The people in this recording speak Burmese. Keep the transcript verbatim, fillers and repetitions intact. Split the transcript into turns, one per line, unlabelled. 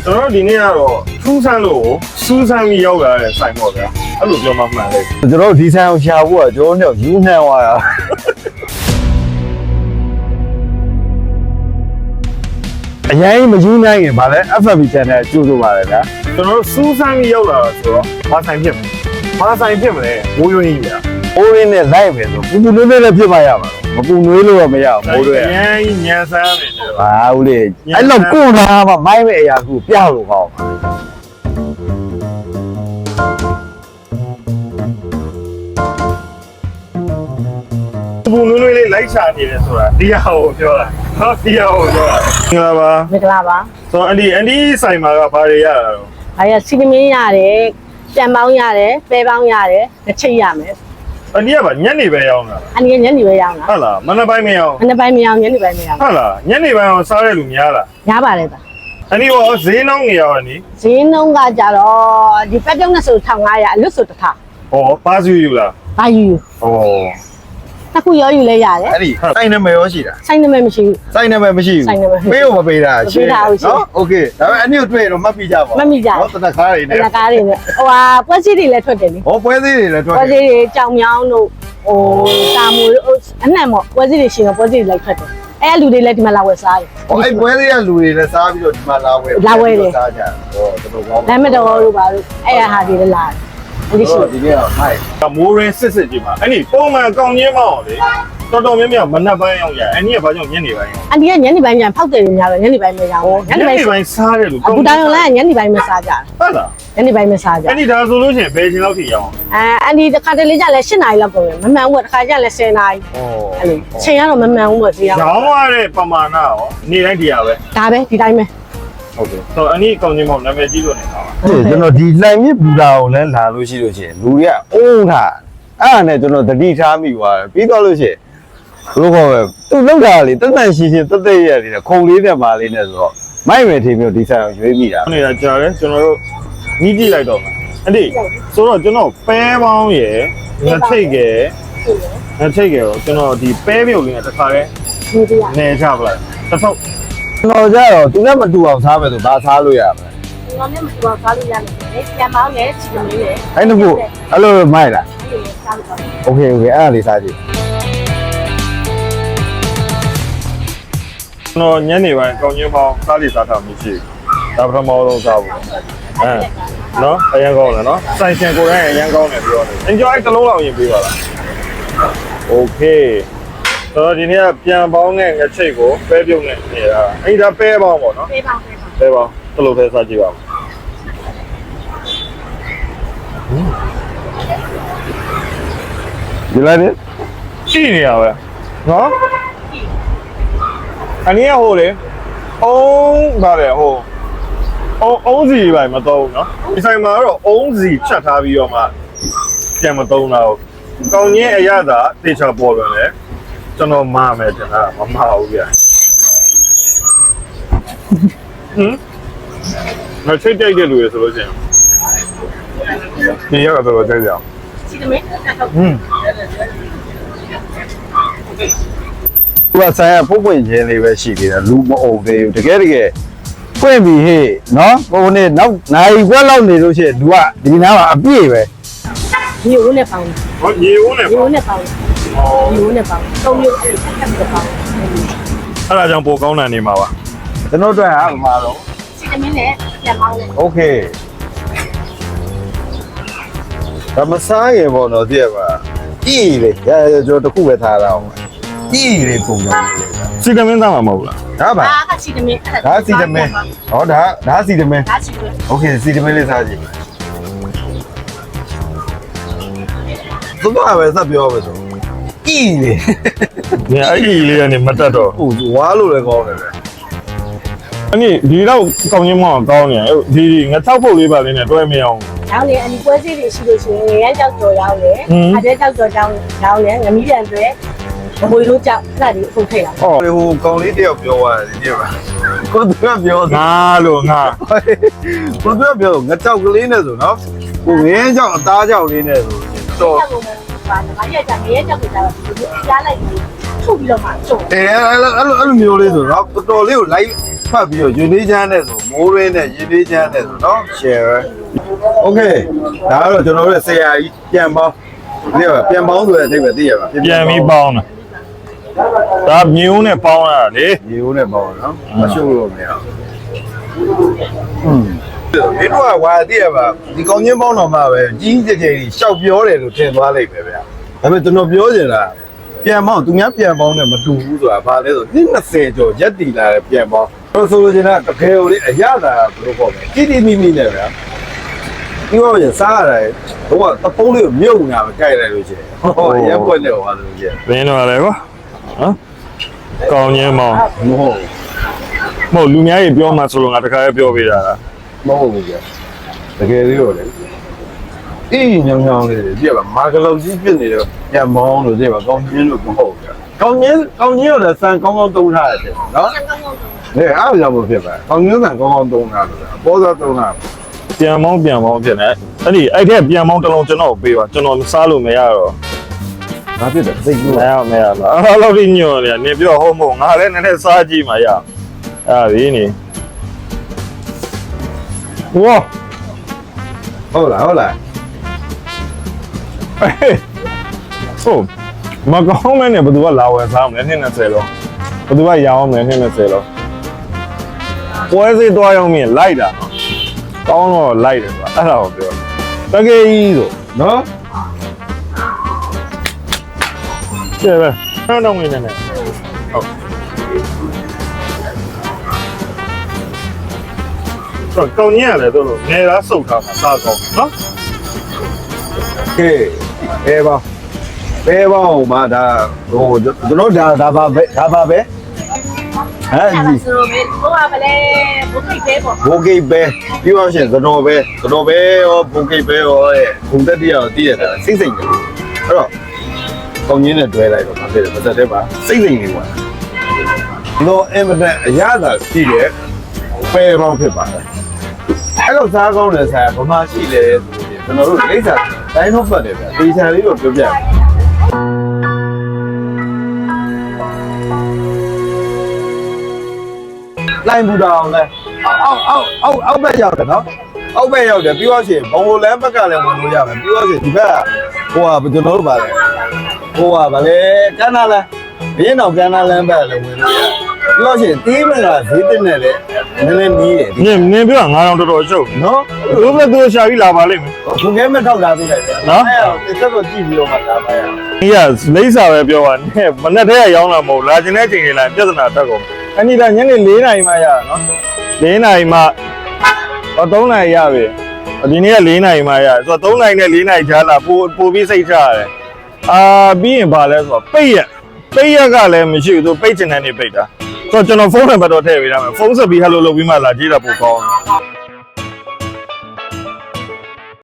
ကျွန်တော်ဒီနေ့ကတော့ထူးဆန်းလို့စူးစမ်းပြီးရောက်လာတဲ့ဆိုင်ပေါ့ဗျာအဲ့လိုပြောမှမှန်လေ
ကျွန်တော်ဒီဆိုင်ကိုရှာဖို့ကကျွန်တော်တို့ယူနှံသွားတာအရင်မယူနိုင်ရင်ဗာလဲ F B channel ကျိုးဆိုပါလေဗျာ
ကျွန်တော်စူးစမ်းပြီးရောက်လာတော့ဆိုတော့ဘာဆိုင်ဖြစ်မလဲဘာဆိုင်ဖြစ်မလဲမိုးရွှင်းကြီးဗျာ
အိုးရင်းနဲ့လိုက်ပဲဆိုပူပူနွေးနွေးလည်းဖြစ်မှရမှာမပူနွေးလို့တော့မရဘူးမိုးတွေ
အရင်ကြီးညံဆန်းနေတယ်
ဟာဦးလေးအဲ့လောက်ကိုလာမှမိုင်းမဲ့အရာကူပြလို့ကောင်း
ပူနွေးနွေးလေးလိုက်ချနေတယ်ဆိုတာတရားကိုပြောတာဟာတရားကိုပြောတာမင်္ဂလာပါ
မင်္ဂလာပါ
ဆိုတော့အန်ဒီအန်ဒီဆိုင်မှာကဘာတွေရတာတော့
အားရစီကမင်းရတယ်ပြန်ပေါင်းရတယ်ပဲပေါင်းရတယ်တစ်ချိတ်ရမယ်
အန်ဒီကဗာညနေပဲရောက်လာ
အန်ဒီကညနေပဲရောက်လာ
ဟုတ်လားမနက်ပိုင်းမရောက်
မနက်ပိုင်းမရောက်ညနေပိုင်းမရောက်
ဟုတ်လားညနေပိုင်းအောင်စားရလူများလား
များပါတယ်ဗျ
အန်ဒီရောဈေးနှောင်းနေရောအန်ဒီ
ဈေးနှုန်းကကြတော့ဒီပက်တုံးနဲ့ဆိုတစ်ထောင်ငါးရာအလွတ်ဆိုတစ်ထောင်
ဟောပါစုယူလား
ပါယူ
ဟော
တခုရောယူလဲရတယ်
အဲ့ဒီစိုင်းနံပါတ်ရောရှိတာ
စိုင်းနံပါတ်မရှိဘူး
စိုင်းနံပါတ်မရှိဘူးပေးလို့မပေးတာရှင်းနော်โอเคဒါပေမဲ့အနည်းတွေ့တော့မှတ်ပြီးကြပါ
မှတ်မိကြ
နော်တနက်ကားတွေနဲ့
တနက်ကားတွေနဲ့ဟိုဟာပွဲစည်းတွေလည်းထွက်တယ်လေ
ဟောပွဲစည်းတွေလည်းထွက်တယ်
ပွဲစည်းတွေကြောင်မြောင်းတို့ဟိုတာမူအနှံ့ပေါ့ပွဲစည်းတွေရှင်ကပွဲစည်းတွေလိုက်ထွက်တယ်အဲ့လူတွေလည်းဒီမှာလာဝယ်စားတယ်
ဟောအဲ့ပွဲလေးကလူတွေလည်းစားပြီးတော့ဒီမှာလာဝယ်
လာဝယ်တယ်
စားကြဟောတော်တော်ကောင်း
လမ်းမတော်တို့ပါလို့အဲ့ရဟာတွေလည်းလာတယ်
ဒီရှိဒီနေ့တော့မိုက်
မိုးရင်းစစ်စစ်ကြီးမှာအဲ့ဒီပုံမှန်ကောင်းချင်းမအောင်လေတော်တော်များများမနက်ပိုင်းရောက်ရအဲ့ဒီကဘာကြောင့်ညနေပိုင်းရောက်
အန်ဒီကညနေပိုင်းပြန်ဖောက်တယ်ညများတော့ညနေပိုင်းမရဘူး
ညနေပိုင်းစားတယ်လို့
အခုတောင်ရုံလည်းညနေပိုင်းမစားကြ
ဟုတ်လား
ညနေပိုင်းမစားကြ
အဲ့ဒီဒါဆိုလို့ရှိရင်ဘယ်ချိန်လောက်ထိရောက်
အဲအန်ဒီတစ်ခါတလေကျလည်း၈နာရီလောက်ကုန်တယ်မမှန်ဘူးတစ်ခါကျလည်း၁၀နာရီ
ဩ
အဲ့လိုချိန်ကတော့မမှန်ဘူးပေါ့ဒီ
ရောရောင်းရတဲ့ပမာဏရောနေ့တိုင်းဒီရပဲ
ဒါပဲဒီတိုင်းပဲ
ဟုတ်ကဲ့ဆိုတော့အနည်းကောင်းချင်းမောင်နာမည်ကြီးလို့နေတာပါ
ကျွန်တော်ဒီလှိုင်မြစ်ဘူတာကိုလည်းလာလို့ရှိလို့ရှိရင်လူတွေကအုံးထားအဲ့ဒါနဲ့ကျွန်တော်တတိထားမိသွားတယ်ပြီးတော့လို့ရှိရင်ဘလို့ခေါ်ပဲသူလောက်တာလေတက်တန်ရှင်းရှင်းတက်တက်ရရတယ်ခုံလေးနဲ့ပါလေးနဲ့ဆိုတော့မိုက်မယ်ထင်မျိုးဒီဆိုင်ကိုရွေးမိတာ
နေတာကြားတယ်ကျွန်တော်တို့နီးကြည့်လိုက်တော့မယ်အဲ့ဒီဆိုတော့ကျွန်တော်ပဲပေါင်းရယ်ငထိတ်ရယ်ငထိတ်ရယ်တော့ကျွန်တော်ဒီပဲပြုတ်လေးနဲ့တစ်ခါလဲနေချပလိုက်တစ်ထုပ်
ကျွန်တော်ကြတော့သူနဲ့မတူအောင်စားမယ်ဆိုဘာစားလို့ရမလဲ
ကျွန်တော်နဲ့မတူအောင်စားလို့ရမယ်ပြန်ပေါင်းရယ်ချီကမင်းရယ်
အဲ့ဒါကိုအဲ့လိုမိုက်လားโอเคโอเคအဲ့ဒါလေးစားကြည့်
ကျွန်တော်ညနေပိုင်းကောင်းချင်းပေါင်းစားလိစားထားမှရှိဒါပထမဆုံးစားဖို့အဲနော်အရင်ကောင်းတယ်နော်ဆိုင်ရှင်ကိုယ်တိုင်အရင်ကောင်းတယ်ပြောတယ် enjoy တစ်လုံးလောက်ရင်ပြီးပါလား okay ဆိုတော့ဒီနေ့ကပြန်ပေါင်းတဲ့ငချိတ်ကိုပဲပြုတ်နေနေတာအဲ့ဒါပဲပေါင်းပေါ့နော်
ပဲပေါင်းပဲ
ပေါင်းပဲပေါင်းတလို့ပဲစားကြည့်ပါဦး
ဒီလိုက်နေ
ကြည့်နေရပဲနော်အနည်းဟိုလေအုံးဗါတယ်ဟိုအုံးအုံးစီပဲမတော့ဘူးနော်ဒီဆိုင်မှာတော့အုံးစီချက်ထားပြီးတော့မှပြန်မသုံးတော့ကောင်းချင်းအရသာတေချာပေါ်တယ်လေကျွန်တော်မာမယ်ကျွန်တော်မမဟုတ်ဗျာဟမ်မချိတ်တိုက်တဲ့လူရဆိုလို့ချင်းဒီရောက်တော့ကြိုက်ကြအောင်
စီကမင်း
ဟမ်
သူကဆိုင်ကပုတ်ပွင့်ချင်းလေးပဲရှိသေးတယ်လူမအုံသေးဘူးတကယ်တကယ်ပွင့်ပြီဟေ့နော်ဟိုနေ့နောက်နိုင်ခွက်လောက်နေလို့ရှိရင်လူကဒီနားမှာအပြည့်ပဲ
ရေဦးနဲ့ပေါင်း
ဟောရေဦးနဲ့
ရေဦးနဲ့ပေါင်းရေဦးနဲ့ပေါင်းသုံးမျိုးအဲ့ဒါပြီးပေါင်း
အဲ့ဒါကြောင့်ပိုကောင်းတာနေမှာပါ
ကျွန်တော်တို့ဟာမှာတော့
စီကမင်းနဲ့ပြန်ပေါင်းတယ်
โอเคဒါမစားရပေါ့နော်သိရပါကြီးလေရရကျွန်တော်တခုပဲထားရအောင်ကြီးလေပုံစံ
စီကမင်းသားမှာမဟုတ်လား
ဒါပါ
ဒါကစီကမင်း
ဒါစီကမင်းဟောဒါဒါစီကမင်း
ဒါစီကမင်း
โอเคစီကမင်းလေးစားကြည့်သူကပဲစပြောပဲဆိုကြီးလေ
ညအဲ့ဒီလေးကနေမတက်တော့
ဟိုဝါလို့လည်းကောင်းတယ်ပဲ
အနည်းဒီတော့ကောင်းချင်းမောင်းကောင်းနေဒီငါ၆ပုတ်လေးပါလေးနဲ့တွဲမရအောင်
ရောင်းလေအဒီပွဲစီတွေရှိလို့ရှိရင်ငရမ်းကြောက်ကြော်ရောင်းလေအတဲကြောက်ကြော်ကြောင်းရောင်းလေငမီးပြန်တွေမွေလို့ကြောက်အဲ့ဒါဒီအခုထိတ်လာ
ဟောဟိုကောင်လေးတယောက်ပြောသွားတယ်ဒီမှာကိုသူကပြော
ငါလို့ငါ
ကိုသူကပြောငါကြောက်ကလေးနဲ့ဆိုနော်ကိုငင်းကြောက်အသားကြောက်လေးနဲ့ဆိုတော့
ပါငါရက်ကြငရဲကြောက်ကြတော့ဒီကြားလိုက်ပြီးထုတ်ပြီးတော့မှကျုံ
အဲအဲ့လိုအဲ့လိုမျိုးလေးဆိုတော့တော်တော်လေးကိုလိုက်ဟဖတ်ပြီးတော့ယူလေးချမ်းနဲ့ဆိုမိုးရင်းနဲ့ယူလေးချမ်းနဲ့ဆိုနော် share okay ဒါကတော့ကျွန်တော်တို့ဆရာကြီးပြန်ပေါင်းဒီကပြန်ပေါင်းဆိုတဲ့အဓိပ္ပာယ်သိရပါ
ပြန်ပြီးပေါင်းတာဒါမျိုးနဲ့ပေါင်းရတာလေ
ရေဦးနဲ့ပေါင်းနော်မရှုပ်လို့မရဘူးอืมဒီတော့ဝါသိရပါဒီကောင်းချင်းပေါင်းတော်မှာပဲကြီးကြီးကျယ်ကျယ်ရှောက်ပြောတယ်လို့ထင်သွားလိုက်ပဲဗျာဒါပေမဲ့ကျွန်တော်ပြောချင်တာပြန်ပေါင်းသူများပြန်ပေါင်းနဲ့မတူဘူးဆိုတာဘာလဲဆိုနှစ်20ကျော်ရက်တည်လာတဲ့ပြန်ပေါင်းတော့ဆိုလိုချင်တာတကယ်ကိုလေအရသာဘယ်လိုပေါ့လဲတိတိမိမိနဲ့ဗျာဒီတော့ရစားရတယ်ဘုံကတပုံးလေးကိုမြုပ်နေတာပဲကြိုက်လိုက်လို့ရှိရင်ဟောရက်ပွက်နေသွားလို့ရှိရင်
ဘင်းတော့လည်းကွာနော်ကောင်းချင်းမောင်
မဟုတ်
မဟုတ်လူများကြီးပြောမှဆိုလို့ငါတခါလေးပြောပေးတာလား
မဟုတ်ဘူးကြာတကယ်လေးတော့လေအေးညောင်ညောင်လေးပြပါမာကလောက်ကြီးဖြစ်နေတော့ပြန်မောင်းလို့ပြပါကောင်းချင်းလို့မဟုတ်ကြာကောင်းချင်းကောင်းချင်းရောလည်းစံကောင်းကောင်းသုံးထားရတယ်နော်လေအားကြောင့်မဖြစ်ပါကောင်းချင်းစံကောင်းကောင်းသုံးထားလို့အပေါ်သားသုံးထား
ပြန်မောင်းပြန်မောင်းဖြစ်နေအဲ့ဒီအဲ့ထက်ပြန်မောင်းတစ်လုံးကျွန်တော်ပေးပါကျွန်တော်စားလို့မရတော့
ဘာဖြစ်လဲစိတ်ကူး
မရမရပါအဲ့လိုညွန့်နေနေပြောဟုတ်မဟုတ်ငါလည်းနည်းနည်းစားကြည့်မှရအဲ့ဒီနေဝါ
ဟုတ်လားဟုတ်လား
ဟုတ်မကောင်းမဲနဲ့ဘယ်သူကလာဝယ်စားမလဲနှစ်20လောက်ဘယ်သူကရအောင်မလဲနှစ်20လောက်ပွဲစီသွားရောက်မြင်လိုက်တာကောင်းတော့လိုက်တယ်ကွာအဲ့ဒါကိုပြောတကယ်ကြီးဆို
နော်
ကျဲပဲအဲ့တော့ဝင်နေတယ်ဟုတ်တော့ကောင်းကြီးရတယ်တို့လို့ငယ်လားစုတ်ထားတာစားကောင်းနော်
ကဲအဲပါဘဲပေါင်းမှာဒါဟိုကျွန်တော်ဒါဒါပါပဲဒါပါပဲဟမ်ဒီ
ဆိုတော့ဘယ်ဘိုးကမလဲဘုတ်ကိတ်ပဲပေါ့
ဘိုဂိတ်ပဲပြောရရှင်သတော်ပဲသတော်ပဲရောဘိုဂိတ်ပဲရောရဲ့ဘုံတက်တရားကိုတည်ရတာစိတ်စိတ်နေအဲ့တော့ကောင်းကြီးနဲ့တွဲလိုက်တော့ဘာဖြစ်လဲမသက်တဲ့ပါစိတ်စိတ်နေကွာတော့အင်မတန်အရသာရှိတယ်ပဲပေါင်းဖြစ်ပါတယ်အဲ့တော့စားကောင်းတယ်ဆိုင်ဗမာရှိတယ်ဆိုရင်ကျွန်တော်တို့လိမ့်စာတိုင်းတော့ပတ်တယ်ဗျတေချာလေးတော့ပြောပြလိုင်းဘူတာအောင်လဲအောက်အောက်အောက်အောက်ဘက်ရောက်တယ်နော်အောက်ဘက်ရောက်တယ်ပြီးတော့ရှင်ဘုံဘလန်းဘက်ကလည်းဝင်လို့ရမယ်ပြီးတော့ရှင်ဒီဘက်ကဟိုကကျွန်တော်တို့ပါလဲဟိုကဗလဲကန်းနာလန်းဘင်းတော်ကန်းနာလန်းဘက်လည်းဝင်လို့ရတယ်ပြီးတော့ရှင်တီးမကဈေးတက်နေတယ်နည်းနည်းနီးတယ်
နင်နင်ပြောငါတော့တော်တော်ရှုပ်
နော်
ဘယ်လိုလဲသူရှာပြီးလာပါလိမ့်မယ်
ခုခဲမထောက်လာသေးတယ်နော်အဲ့တော့တက်တော့ကြည့်ပြီးတော့မှလာပါရအောင်
ဒီကလိမ့်စာပဲပြောပါနဲ့မနဲ့တည်းကရောင်းလာမဟုတ်လာခြင်းတဲ့ချိန်တွေလာပြဿနာတက်ကုန်အဲ့ဒီကညနေ၄နာရီမှရတာနော်၄နာရီမှဟော၃နာရီရပြီဒီနေ့က၄နာရီမှရဆိုတော့၃နာရီနဲ့၄နာရီကြားလာပို့ပို့ပြီးစိတ်ချရတယ်အာပြီးရင်ဗာလဲဆိုတော့ပိတ်ရက်ပိတ်ရက်ကလည်းမရှိဘူးသူပိတ်ချင်တဲ့နေပိတ်တာဆိုတော့ကျွန်တော်ဖုန်းနံပါတ်တော့ထည့်ပေးထားမယ်ဖုန်းဆက်ပြီးဟယ်လိုလုပ်ပြီးမှလာကြည့်တာပို့ကောင်းတယ်